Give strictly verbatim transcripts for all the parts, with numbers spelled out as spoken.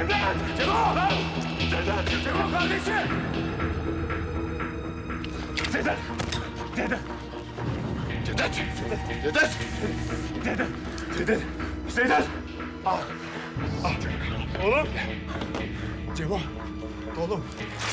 Cevdet! Cevdet! Cevdet! Cevdet kardeşim! Cevdet! Cevdet! Cevdet! Cevdet! Cevdet! Cevdet! Cevdet! Ah! Ah! Oğlum! Cevo! Oğlum!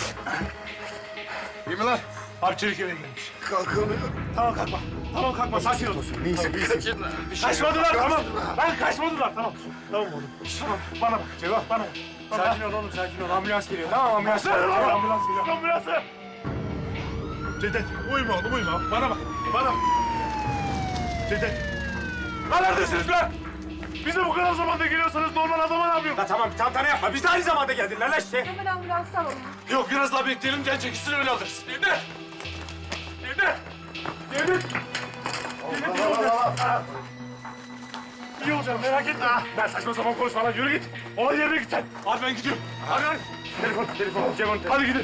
İyi mi lan? Abi çelik eve gelmiş. Kalkamıyorum. Tamam kalkma. Tamam kalkma. Sakin ol. Neyse, kaçın lan. Bir şey Kaçmadılar yok. tamam. Lan kaçmadılar tamam. Tamam oğlum. Tamam bana bak Cevap bana. bana. Sakin ol oğlum sakin ol. Ambulans geliyor. Tamam ambulans geliyor. Ambulans geliyor. Ambulansı. Cevdet uyuma oğlum uyuma. Bana bak. Bana bak. Cevdet. Lan neredesiniz lan? Bize bu kadar zamanda geliyorsanız normal adama ne yapıyorsun? Ya tamam bir tantana yapma. Biz de aynı zamanda geldiler lan işte. Hemen ambulans alalım. Yok biraz daha bekleyelim. Can çekişsin öyle alırız. Cevdet. Cevdet. Cevdet. Cevdet iyi olacak. İyi olacağım merak etme. Ben saçma sapan konuşma lan yürü git. Olay yerine git sen. Hadi ben gidiyorum. Hadi hadi. Telefon, telefon, Cevon. Hadi gidin.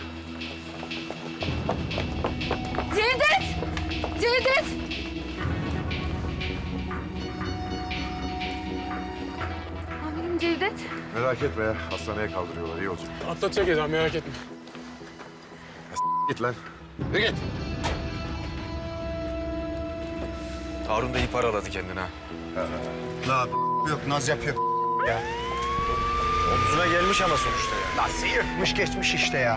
Cevdet! Cevdet! Amirim Cevdet. Merak etme ya. Hastaneye kaldırıyorlar. İyi olacak. Atlatacak Eda, merak etme. Git lan. Ne git? Harun da iyi paraladı kendine ha. Ne yap? Yok, naz yapıyor ya. Omzuna gelmiş ama sonuçta ya. Nasıl yırtmış geçmiş işte ya.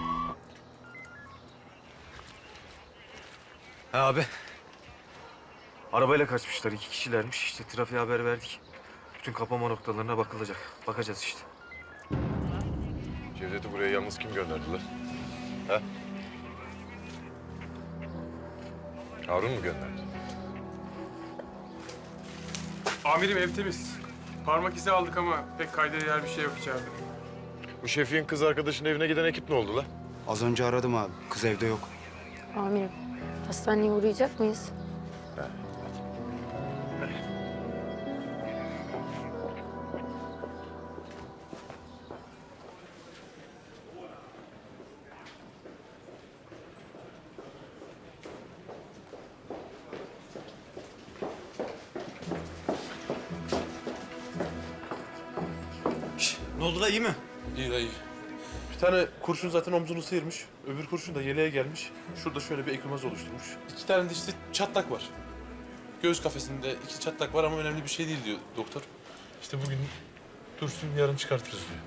Ha abi. Arabayla kaçmışlar, iki kişilermiş. İşte trafiğe haber verdik. Bütün kapama noktalarına bakılacak. Bakacağız işte. Cevdet'i buraya yalnız kim gönderdi lan? Ha? Harun mu gönderdi? Amirim ev temiz. Parmak izi aldık ama pek kayda değer bir şey yok içeride. Bu Şefik'in kız arkadaşının evine giden ekip ne oldu lan? Az önce aradım abi. Kız evde yok. Amirim, hastaneye uğrayacak mıyız? Ne oldu da iyi mi? İyi dayı. Bir tane kurşun zaten omzunu sıyırmış. Öbür kurşun da yeleğe gelmiş. Şurada şöyle bir ekümaz oluşturmuş. İki tane de işte çatlak var. Göğüs kafesinde iki çatlak var ama önemli bir şey değil diyor doktor. İşte bugün dursun yarın çıkartırız diyor.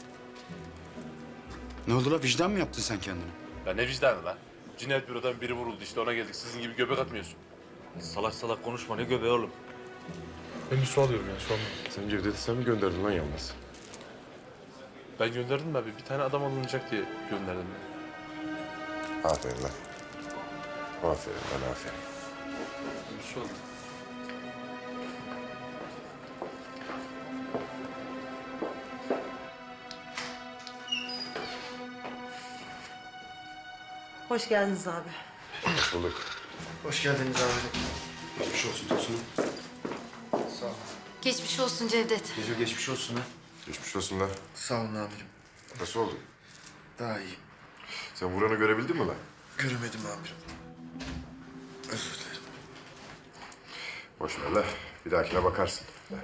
Ne oldu la? Vicdan mı yaptın sen kendine? Ya ne vicdanı lan? Cinayet bürodan biri vuruldu işte ona geldik. Sizin gibi göbek atmıyorsun. Salak salak konuşma, ne göbeği oğlum. Ben bir su alıyorum ya şu an. Sen Cevdet'i sen mi gönderdin lan yalnız? Ben gönderdim abi. Bir tane adam alınacak diye gönderdim. Aferin lan. Aferin lan aferin. Bir su aldım. Hoş geldiniz abi. Hoş bulduk. Hoş geldiniz abi. Geçmiş olsun Tosun'um. Sağ ol. Geçmiş olsun Cevdet. Gece geçmiş olsun ha. Geçmiş olsun lan. Sağ olun amirim. Nasıl oldu? Daha iyi. Sen vuranı görebildin mi lan? Göremedim amirim. Özür dilerim. Boş ver lan. Bir dahakine bakarsın.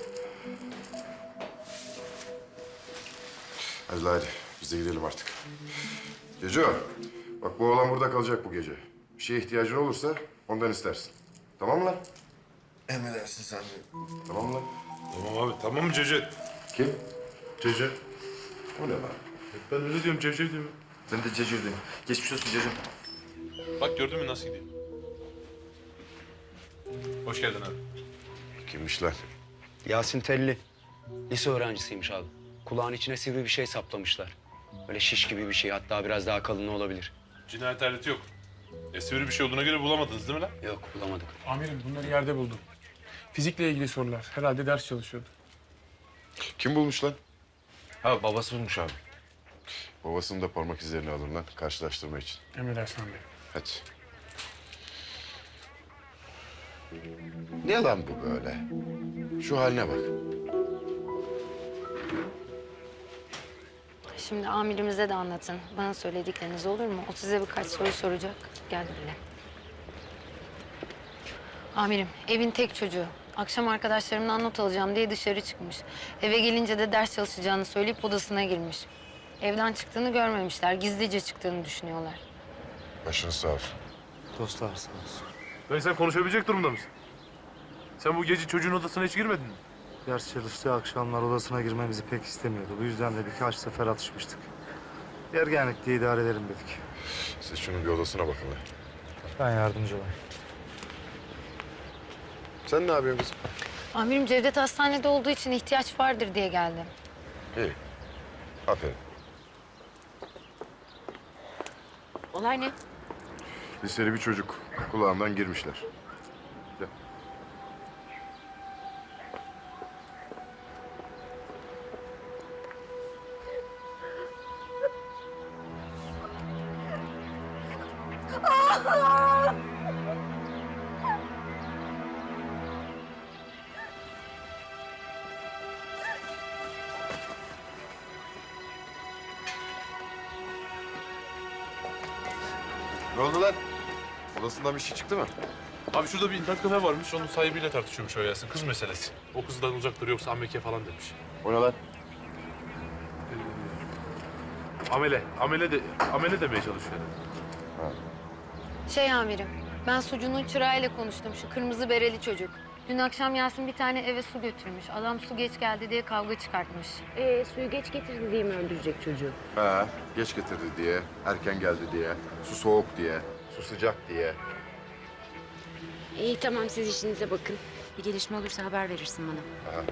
Hadi lan hadi. Biz de gidelim artık. Ceco, bak bu oğlan burada kalacak bu gece. Bir şeye ihtiyacın olursa ondan istersin. Tamam mı lan? Emredersiniz amirim. Tamam mı lan? Tamam abi. Tamam mı Cevdet? Kim? Cevdet. O ne lan? Ben öyle diyorum Cevdet diyorum. Ben de Cecur'dayım. Geçmiş olsun Cecur. Bak gördün mü nasıl gidiyor? Hoş geldin abi. Kimmiş lan? Yasin Telli. Lise öğrencisiymiş abi. Kulağın içine sivri bir şey saplamışlar. Böyle şiş gibi bir şey, hatta biraz daha kalın olabilir. Cinayet aleti yok. E, sivri bir şey olduğuna göre bulamadınız değil mi lan? Yok, bulamadık. Amirim bunları yerde buldum. Fizikle ilgili sorular. Herhalde ders çalışıyordu. Kim bulmuş lan? Ha babası bulmuş abi. Babasının da parmak izlerini alın lan karşılaştırma için. Emredersin amirim. Hadi. Ne lan bu böyle? Şu haline bak. Şimdi amirimize de anlatın. Bana söyledikleriniz olur mu? O size birkaç soru soracak. Gel böyle. Amirim, evin tek çocuğu. Akşam arkadaşlarımdan not alacağım diye dışarı çıkmış. Eve gelince de ders çalışacağını söyleyip odasına girmiş. Evden çıktığını görmemişler. Gizlice çıktığını düşünüyorlar. Başınız sağ olsun. Dostlar sağ olsun. Dayı sen konuşabilecek durumda mısın? Sen bu gece çocuğun odasına hiç girmedin mi? Ders çalıştığı akşamlar odasına girmemizi pek istemiyordu. Bu yüzden de birkaç sefer atışmıştık. Ergenlikte idare edelim dedik. Siz şunun bir odasına bakın lan. Ben yardımcı olayım. Sen ne yapıyorsun kızım? Amirim Cevdet hastanede olduğu için ihtiyaç vardır diye geldim. İyi. Aferin. Olay ne? Liseli bir çocuk. Kulağından girmişler. Gel. Ne oldu lan? Odasından bir şey çıktı mı? Abi şurada bir internet kafe varmış. Onun sahibiyle tartışıyormuş o Yasin. Kız meselesi. O kızdan uzak dur yoksa Amerika falan demiş. O ne lan? Amele. Amele de amele demeye çalışıyor. Şey amirim, ben sucunun çırağıyla konuştum. Şu kırmızı bereli çocuk. Dün akşam Yasin bir tane eve su götürmüş. Adam su geç geldi diye kavga çıkartmış. Ee, suyu geç getirdi diye mi öldürecek çocuğu? Ha, geç getirdi diye, erken geldi diye, su soğuk diye, su sıcak diye. İyi tamam siz işinize bakın. Bir gelişme olursa haber verirsin bana. Aha.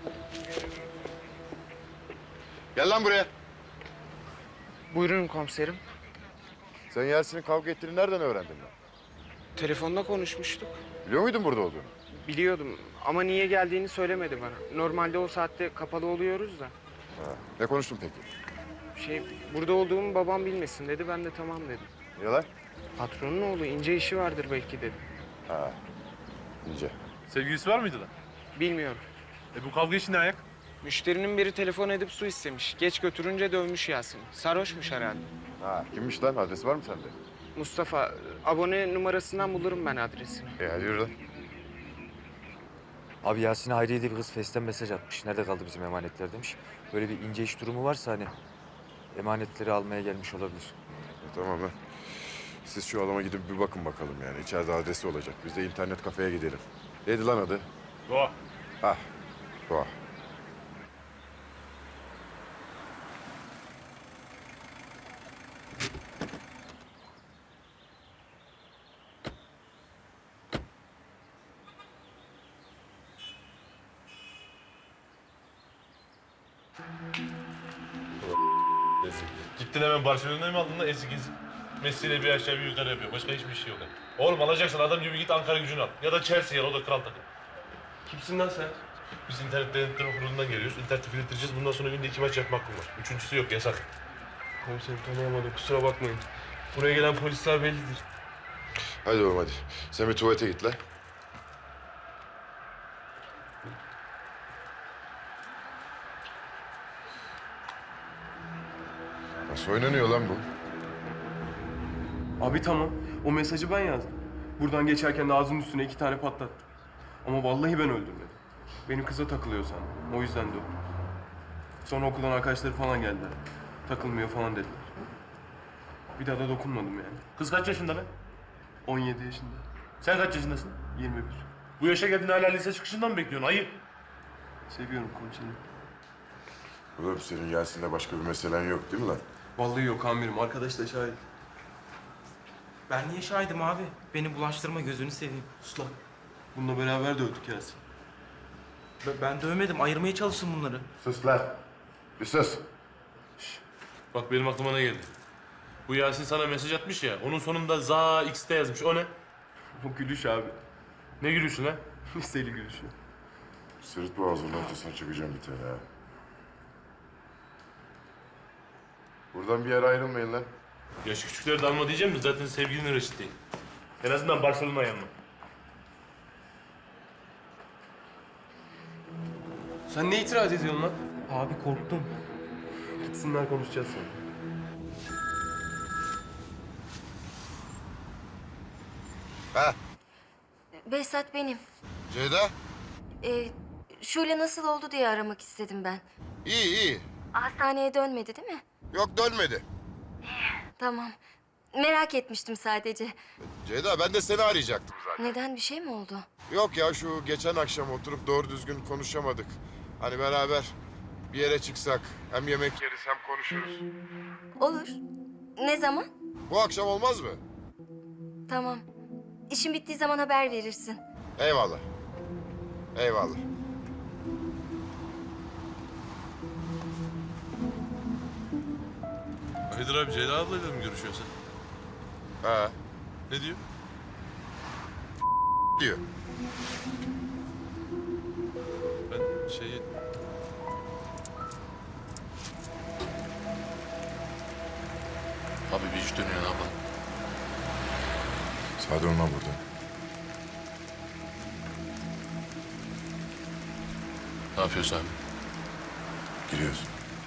Gel lan buraya. Buyurun komiserim. Sen Yasin'in kavga ettiğini nereden öğrendin lan? Telefonda konuşmuştuk. Biliyor muydun burada olduğunu? Biliyordum ama niye geldiğini söylemedi bana. Normalde o saatte kapalı oluyoruz da. Ha. Ne konuştun peki? Şey, burada olduğumu babam bilmesin dedi. Ben de tamam dedim. Niye lan? Patronun oğlu ince işi vardır belki dedi. Ha, ince. Sevgilisi var mıydı lan? Bilmiyorum. E bu kavga için ne ayak? Müşterinin biri telefon edip su istemiş. Geç götürünce dövmüş Yasin. Sarhoşmuş herhalde. Ha, kimmiş lan? Adresi var mı sende? Mustafa, abone numarasından bulurum ben adresini. E hadi yürü lan. Abi Yasin'e Hayriye diye bir kız Face'ten mesaj atmış. Nerede kaldı bizim emanetler demiş. Böyle bir ince iş durumu varsa hani emanetleri almaya gelmiş olabilir. E, tamam lan. Siz şu adama gidip bir bakın bakalım yani. İçeride adresi olacak. Biz de internet kafeye gidelim. Neydi lan adı? Doğa. Ha, Doğa. Gittin hemen Barcelona'ya mı aldın lan ezik ezik? Messi'yle bir aşağı bir yukarı yapıyor. Başka hiçbir şey yok. Oğlum alacaksan adam gibi git Ankara Gücü'nü al. Ya da Chelsea'ye al, o da kral takım. Kimsin lan sen? Biz internet denetleme kurulundan geliyoruz. İnterneti filtreleyeceğiz. Bundan sonra günde iki maç yapma hakkım var. Üçüncüsü yok, yasak. Komiserim tanıyamadım, kusura bakmayın. Buraya gelen polisler bellidir. Hadi oğlum hadi. Sen bir tuvalete git lan. Nasıl oynanıyor lan bu? Abi tamam. O mesajı ben yazdım. Buradan geçerken de ağzının üstüne iki tane patlattım. Ama vallahi ben öldürmedim. Benim kıza takılıyor sandım. O yüzden dövdüm. Sonra okuldan arkadaşları falan geldiler. Takılmıyor falan dediler. Bir daha da dokunmadım yani. Kız kaç yaşında lan? on yedi yaşında. Sen kaç yaşındasın? yirmi bir. Bu yaşa geldin hala lise çıkışından mı bekliyorsun? Ayıp. Seviyorum komiserim. Oğlum senin Yasin'le başka bir meselen yok değil mi lan? Vallahi yok amirim. Arkadaş da şahit. Ben niye şahidim abi? Beni bulaştırma, gözünü seveyim. Sus lan. Bununla beraber dövdük Yasin. Ben, ben dövmedim, ayırmaya çalıştım bunları. Sus lan. Bir sus. Bak benim aklıma ne geldi? Bu Yasin sana mesaj atmış ya, onun sonunda za X'te yazmış. O ne? O gülüş abi. Ne gülüyorsun lan? Liseli gülüşü. Sırt boğazının ortasına çıkacağım bir tane ha. Buradan bir yere ayrılmayın lan. Yaş küçükleri de alma diyeceğim mi? Zaten sevgilinin reşit değil. En azından Barcelona'ya yanma. Sen ne itiraz ediyorsun lan? Abi korktum. Gitsinler konuşacağız sonra. Ha, Behzat benim. Ceyda. Ee, Şule nasıl oldu diye aramak istedim ben. İyi iyi. Hastaneye dönmedi değil mi? Yok dönmedi. Tamam. Merak etmiştim sadece. Ceyda ben de seni arayacaktım zaten. Neden, bir şey mi oldu? Yok ya şu geçen akşam oturup doğru düzgün konuşamadık. Hani beraber bir yere çıksak hem yemek yeriz hem konuşuruz. Olur. Ne zaman? Bu akşam olmaz mı? Tamam. İşin bittiği zaman haber verirsin. Eyvallah. Eyvallah. Hayırdır abi, Ceyda ablayla mı görüşüyorsun sen? Ha Ne diyor? diyor. Ben şeyi... Abi bir iş dönüyor, ne yapalım? Sade olma burada. Ne yapıyorsun abi? Giriyoruz.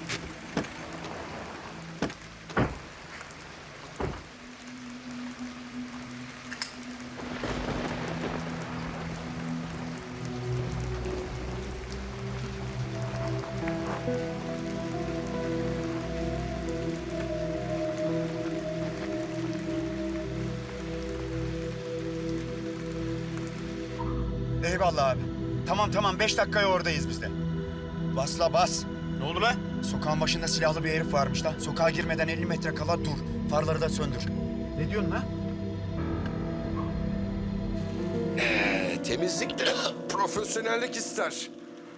Eyvallah abi. Tamam tamam beş dakikaya oradayız biz de. Bas la bas. Ne oldu lan? Sokağın başında silahlı bir herif varmış da. Sokağa girmeden elli metre kala dur. Farları da söndür. Ne diyorsun lan? Ee, temizlik de profesyonellik ister.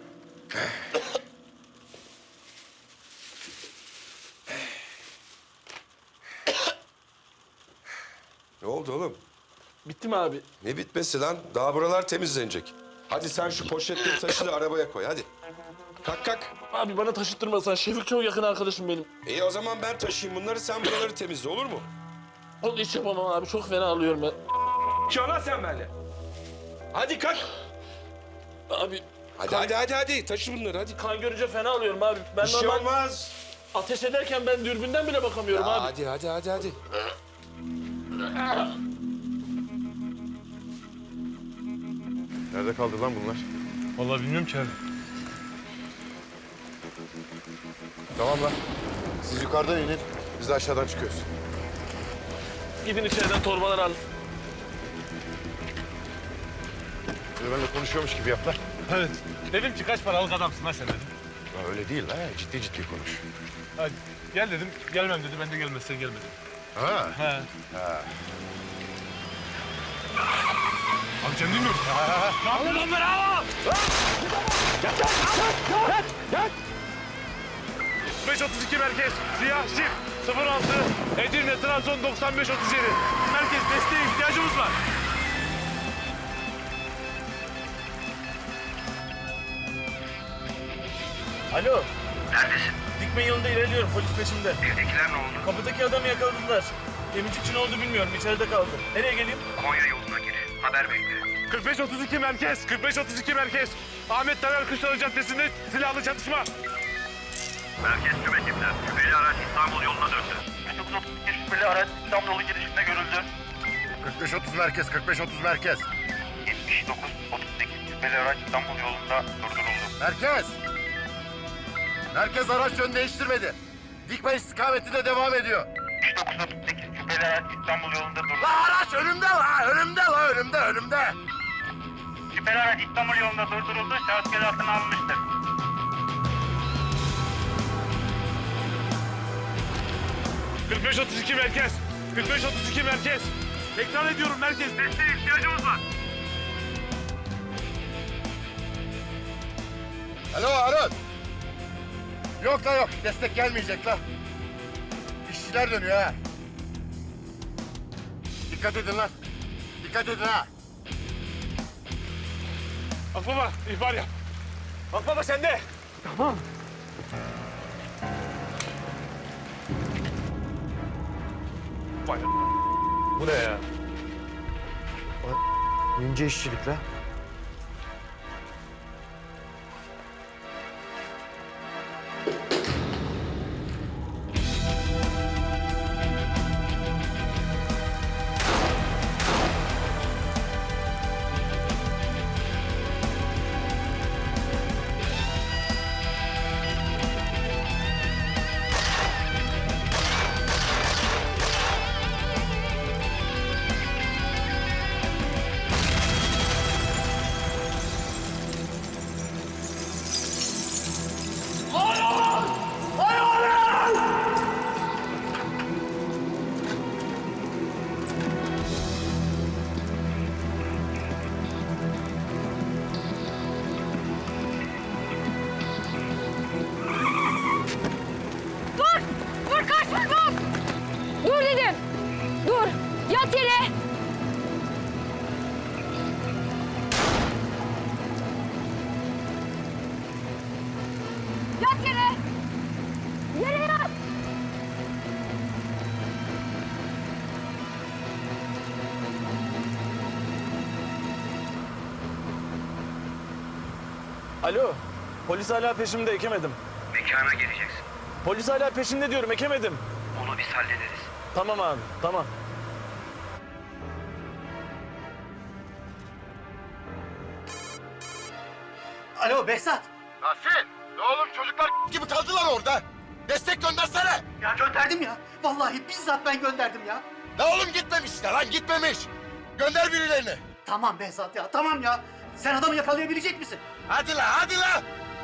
Ne oldu oğlum? Bitti mi abi? Ne bitmesi lan? Daha buralar temizlenecek. Hadi sen şu poşetleri taşı da arabaya koy hadi. Kalk kalk. Abi bana taşıttırmasan, Şefik çok yakın arkadaşım benim. İyi o zaman ben taşıyayım bunları, sen buraları temizle olur mu? Onu hiç yapamam abi, çok fena alıyorum ben. Çala sen benimle. Hadi kalk. Abi Hadi hadi hadi hadi taşı bunları hadi. kan görünce fena alıyorum abi. Ben Bir şey normal olmaz. ateş ederken ben dürbünden bile bakamıyorum Ya abi. hadi hadi hadi hadi. Nerede kaldı lan bunlar? Vallahi bilmiyorum ki abi. Tamam lan. Siz yukarıdan inin. Biz de aşağıdan çıkıyoruz. Gidin içeriden torbalar alın. Bir de benimle konuşuyormuş gibi yap lan. Evet. Dedim ki kaç paralık adamsın lan sen dedim. Ya öyle değil lan. Ciddi ciddi konuş. Hadi gel dedim. Gelmem dedi. Ben de gelmezsen gelme dedim. Ha? He. Ha. Abi sen dinliyor musun? Alın onları al! Gel gel gel gel! beş otuz iki merkez. Siyah şif. sıfır altı. Edirne Trabzon doksan beş otuz yedi. Merkez desteğe ihtiyacımız var. Alo. Neredesin? Dikme yolunda ilerliyorum. Polis peşimde. Evdekiler ne oldu? Kapıdaki adamı yakaladılar. Temizlikçi ne oldu bilmiyorum. İçeride kaldı. Nereye geleyim? Konya yoluna gir. Haber bekle. kırk beş otuz iki merkez. kırk beş otuz iki merkez. Ahmet Taner Kışlalı Caddesi'nde silahlı çatışma. Merkez tüm ekipler. Şüpheli araç İstanbul yoluna döndü. üç dokuz otuz iki şüpheli araç İstanbul yolu girişinde görüldü. kırk beş otuz merkez, kırk beş otuz merkez. yetmiş dokuz otuz sekiz şüpheli araç İstanbul yolunda durduruldu. Merkez! Merkez araç yön değiştirmedi. Dikmen istikametinde devam ediyor. yetmiş dokuz otuz sekiz şüpheli araç İstanbul yolunda durduruldu. La araç önümde la, önümde la, önümde, önümde. Şüpheli araç İstanbul yolunda durduruldu. Şahıs gözaltına alınmıştır. kırk beş otuz iki merkez. kırk beş otuz iki merkez. Tekrar ediyorum merkez. Desteğe ihtiyacımız var. Alo Harun. Yok la yok, destek gelmeyecek la. İşçiler dönüyor ha. Dikkat edin lan. Dikkat edin ha. Akbaba ihbar yap. Akbaba sende. Bu ne ya? İnce işçilik la. Alo. Polis hala peşimde, ekemedim. Mekana geleceksin. Polis hala peşimde diyorum, ekemedim. Onu biz hallederiz. Tamam abi, tamam. Alo Behzat. Tahsin! Ne oğlum çocuklar gibi kaldılar orada. Destek göndersene. Ya gönderdim ya. Vallahi bizzat ben gönderdim ya. Ne oğlum gitmemişler lan gitmemiş. Gönder birilerini. Tamam Behzat ya tamam ya. Sen adamı yakalayabilecek misin? Hadi la hadi la.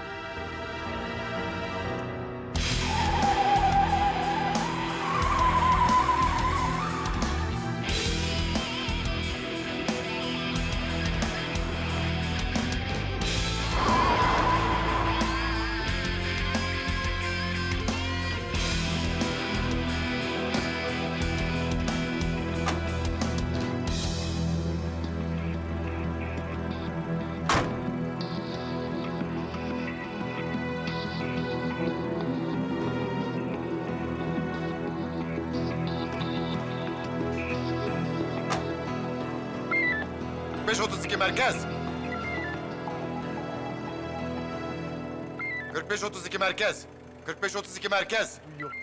kırk beş otuz iki merkez. kırk beş otuz iki merkez. kırk beş otuz iki merkez.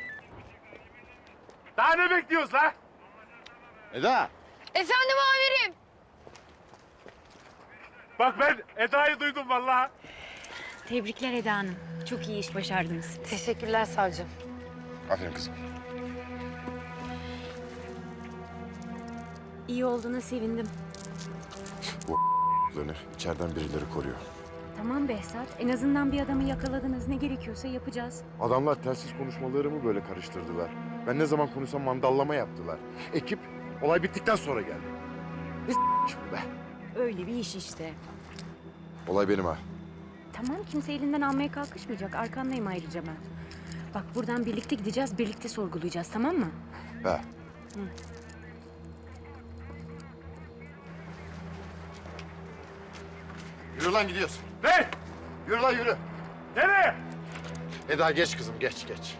Daha ne bekliyoruz la? Eda. Efendim amirim. Bak ben Eda'yı duydum vallahi. Tebrikler Eda Hanım. Çok iyi iş başardınız. Teşekkürler savcım. Aferin kızım. İyi olduğuna sevindim. Bu içeriden birileri koruyor. Tamam Behzat. En azından bir adamı yakaladınız. Ne gerekiyorsa yapacağız. Adamlar telsiz konuşmalarımı böyle karıştırdılar. Ben ne zaman konuşsam mandallama yaptılar. Ekip olay bittikten sonra geldi. Ne s**miş bu be? Öyle bir iş işte. Olay benim ha. Tamam kimse elinden almaya kalkışmayacak. Arkandayım ayrıca ben. Bak buradan birlikte gideceğiz, birlikte sorgulayacağız tamam mı? He. Hı. Yürü lan gidiyoruz. Ne? Yürü lan yürü. Nereye? Eda geç kızım geç geç.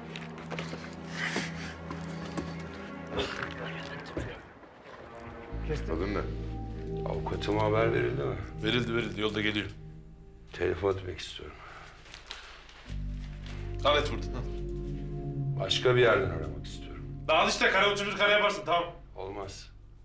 Adın ne? Avukatıma haber verildi mi? Verildi verildi yolda geliyor. Telefon etmek istiyorum. Al et buradan al. Başka bir yerden aramak istiyorum. Dağıl işte kare otuz bir kare yaparsın tamam. Olmaz.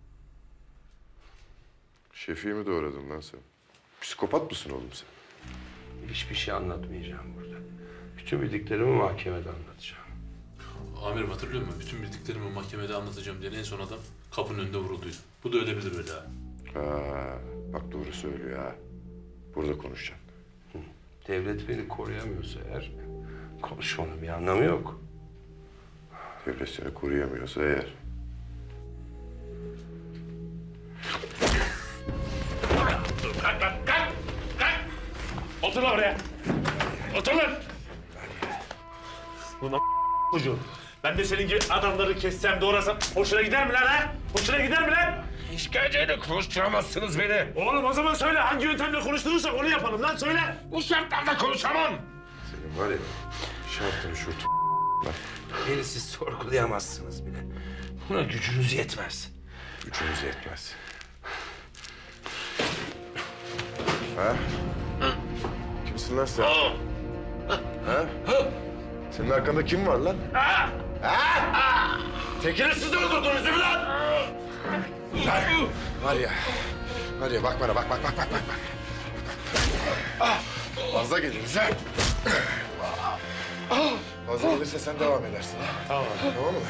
Şefiği mi doğradın lan sen? Psikopat mısın oğlum sen? Hiçbir şey anlatmayacağım burada. Bütün bildiklerimi mahkemede anlatacağım. Amirim hatırlıyor musun? Bütün bildiklerimi mahkemede anlatacağım diye en son adam kapının önünde vurulduydu. Bu da öyle bilir öyle ha. Ha, bak doğru söylüyor ha. Burada konuşacağım. Devlet beni koruyamıyorsa eğer konuşmanın bir anlamı yok. Devlet seni koruyamıyorsa eğer. Kalk lan kalk. Kalk. Otur lan oraya. Otur lan. Ulan çocuğum. Ben de senin gibi adamları kessem doğrasam hoşuna gider mi lan ha? Hoşuna gider mi lan? İşkenceyle konuşturamazsınız beni. Oğlum o zaman söyle hangi yöntemle konuşturursak onu yapalım lan söyle. Bu şartlarda konuşamam. Senin var ya şartını şurtu lan. Beni siz sorgulayamazsınız bile. Buna gücünüz yetmez. Gücümüz yetmez. Ha? Kimsin lan sen? Ha? Senin arkanda kim var lan? Ha? Ha? Tekini siz öldürdünüz değil mi lan? Lan var ya, var ya bak bana bak bak bak bak bak. bak. Ah, fazla geliriz ha. Fazla gelirse sen devam edersin ha. Tamam. Tamam mı?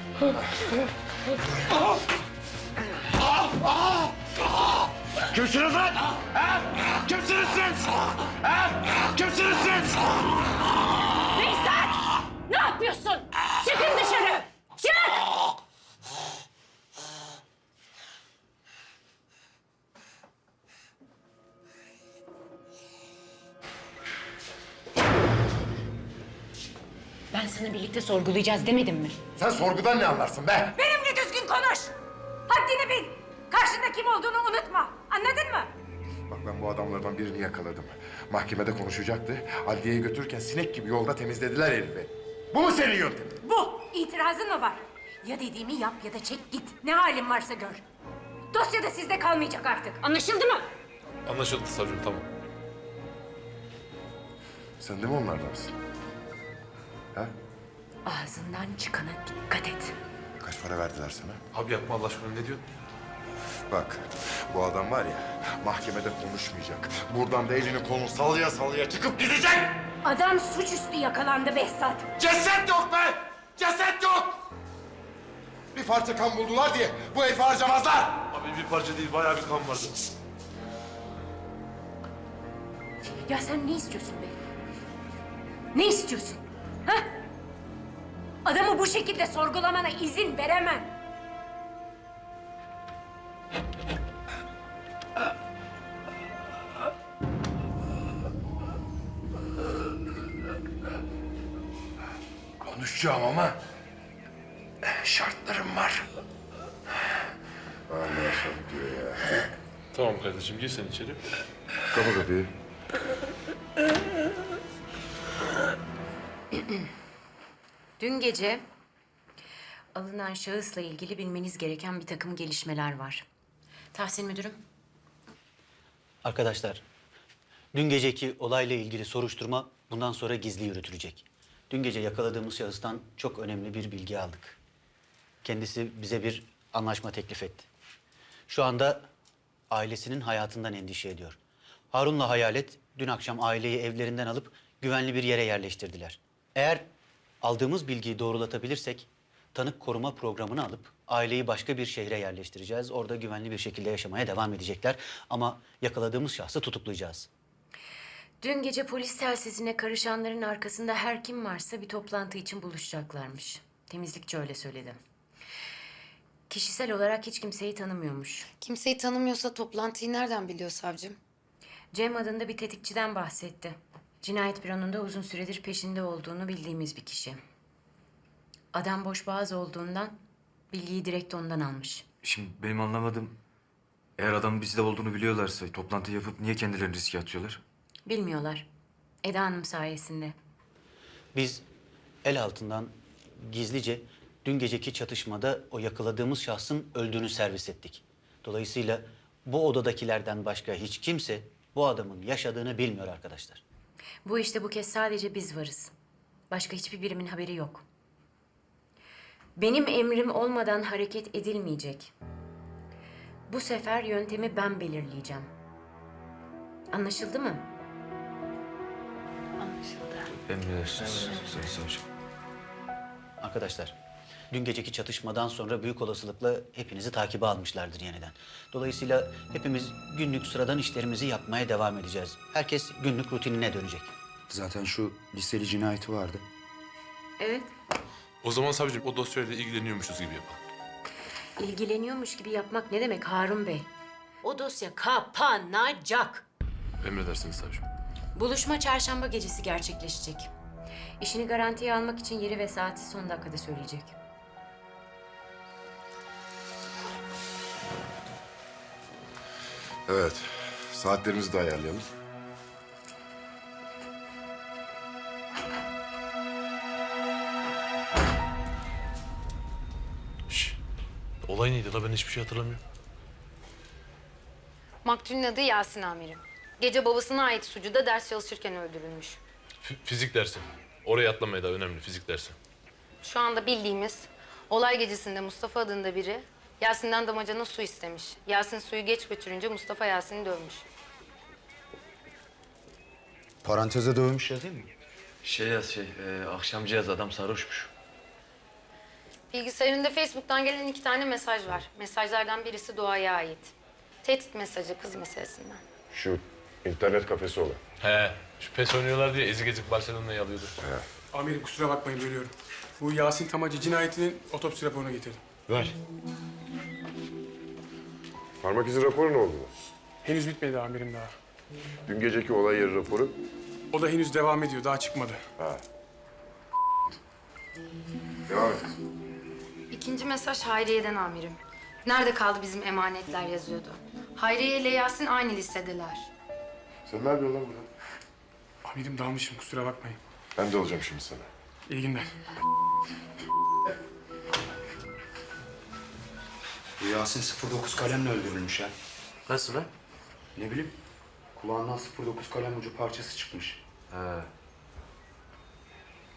Kimsiniz lan? Ha? Kimsiniz siz? Ha? Kimsiniz siz? Behzat! Ne yapıyorsun? Çıkın dışarı! Çık! Ben sana birlikte sorgulayacağız demedim mi? Sen sorgudan ne anlarsın be? Benimle düzgün konuş. Haddini bil. Karşında kim olduğunu unutma. Anladın mı? Bak ben bu adamlardan birini yakaladım. Mahkemede konuşacaktı. Adliyeye götürürken sinek gibi yolda temizlediler herifi. Bu mu senin yöntemin? Bu. İtirazın mı var? Ya dediğimi yap ya da çek git. Ne halin varsa gör. Dosya da sizde kalmayacak artık. Anlaşıldı mı? Anlaşıldı savcım tamam. Sen de mi onlardansın? Ha? Ağzından çıkana dikkat et. Kaç para verdiler sana? Abi yapma Allah aşkına, ne diyorsun? Bak, bu adam var ya, mahkemede konuşmayacak. Buradan da elini kolunu sallaya sallaya çıkıp gidecek! Adam suçüstü yakalandı Behzat. Ceset yok be! Ceset yok! Bir parça kan buldular diye bu herifi harcamazlar! Abi bir parça değil, bayağı bir kan vardı. Ya sen ne istiyorsun be? Ne istiyorsun? Ha? Adamı bu şekilde sorgulamana izin veremem. Konuşacağım ama şartlarım var. Allah şart diyor ya. Tamam kardeşim, gir sen içeri. Kapa kapıyı. Dün gece alınan şahısla ilgili bilmeniz gereken bir takım gelişmeler var. Tahsin müdürüm. Arkadaşlar, dün geceki olayla ilgili soruşturma bundan sonra gizli yürütülecek. Dün gece yakaladığımız şahıstan çok önemli bir bilgi aldık. Kendisi bize bir anlaşma teklif etti. Şu anda ailesinin hayatından endişe ediyor. Harun'la Hayalet dün akşam aileyi evlerinden alıp güvenli bir yere yerleştirdiler. Eğer aldığımız bilgiyi doğrulatabilirsek tanık koruma programını alıp aileyi başka bir şehre yerleştireceğiz. Orada güvenli bir şekilde yaşamaya devam edecekler. Ama yakaladığımız şahsı tutuklayacağız. Dün gece polis telsizine karışanların arkasında her kim varsa bir toplantı için buluşacaklarmış. Temizlikçi öyle söyledi. Kişisel olarak hiç kimseyi tanımıyormuş. Kimseyi tanımıyorsa toplantıyı nereden biliyor savcım? Cem adında bir tetikçiden bahsetti. Cinayet büronunda uzun süredir peşinde olduğunu bildiğimiz bir kişi. Adam boşboğaz olduğundan bilgiyi direkt ondan almış. Şimdi benim anlamadığım, eğer adamın bizde olduğunu biliyorlarsa toplantı yapıp niye kendilerini riske atıyorlar? Bilmiyorlar. Eda Hanım sayesinde. Biz el altından gizlice dün geceki çatışmada o yakaladığımız şahsın öldüğünü servis ettik. Dolayısıyla bu odadakilerden başka hiç kimse bu adamın yaşadığını bilmiyor arkadaşlar. Bu işte bu kez sadece biz varız. Başka hiçbir birimin haberi yok. Benim emrim olmadan hareket edilmeyecek. Bu sefer yöntemi ben belirleyeceğim. Anlaşıldı mı? Anlaşıldı. Emredersiniz Sayın Savcım. Arkadaşlar, dün geceki çatışmadan sonra büyük olasılıkla hepinizi takibe almışlardır yeniden. Dolayısıyla hepimiz günlük sıradan işlerimizi yapmaya devam edeceğiz. Herkes günlük rutinine dönecek. Zaten şu listeli cinayeti vardı. Evet. O zaman savcım o dosyayla ilgileniyormuşuz gibi yapalım. İlgileniyormuş gibi yapmak ne demek Harun Bey? O dosya kapanacak. Emredersiniz savcım. Buluşma çarşamba gecesi gerçekleşecek. İşini garantiye almak için yeri ve saati son dakikada söyleyecek. Evet, saatlerimizi de ayarlayalım. Şş, olay neydi la, ben hiçbir şey hatırlamıyorum. Maktulün adı Yasin amirim. Gece babasına ait sucuda ders çalışırken öldürülmüş. F- fizik dersi. Oraya atlamaya da önemli, fizik dersi. Şu anda bildiğimiz olay gecesinde Mustafa adında biri Yasin'den damacana su istemiş. Yasin suyu geç götürünce Mustafa Yasin'i dövmüş. Paranteze dövmüş ya değil mi? Şey yaz şey, e, akşamcı yaz adam sarhoşmuş. Bilgisayarında Facebook'tan gelen iki tane mesaj var. Mesajlardan birisi Doğa'ya ait. Tehdit mesajı kız meselesinden. Şu internet kafesi olan. He, şu pes oynuyorlar diye ezik ezik Barcelona'yı alıyordu. He. Amirim kusura bakmayın bölüyorum. Bu Yasin Tamacı cinayetinin otopsi raporunu getirdim. Ver. Parmak izi raporu ne oldu? Henüz bitmedi amirim daha. Dün geceki olay yeri raporu. O da henüz devam ediyor, daha çıkmadı. Ha. Devam et. İkinci mesaj Hayriye'den amirim. Nerede kaldı bizim emanetler yazıyordu. Hayriye ile Yasin aynı listedeler. Sen ne yapıyorsun lan burada? Amirim dalmışım, kusura bakmayın. Ben de olacağım şimdi sana. İyi günler. Bu Yasin sıfır dokuz kalemle öldürülmüş ha. Nasıl lan? Ne bileyim. Kulağından sıfır dokuz kalem ucu parçası çıkmış. He.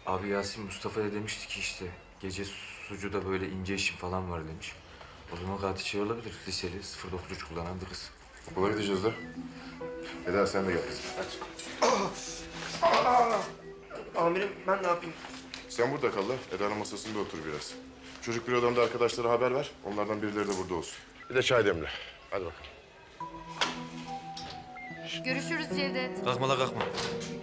Abi Yasin Mustafa'ya demişti ki işte gece sucuda böyle ince işim falan var demiş. O zaman katil şey olabilir. Liseli sıfır dokuz üç kullanan bir kız. Okula gideceğiz de. Eda sen de gel kızım. Amirim ben ne yapayım? Sen burada kal da Eda'nın masasında otur biraz. Çocuk bir odamda arkadaşlara haber ver. Onlardan birileri de burada olsun. Bir de çay demle. Hadi bakalım. Görüşürüz Cevdet. Kalkma la kalkma.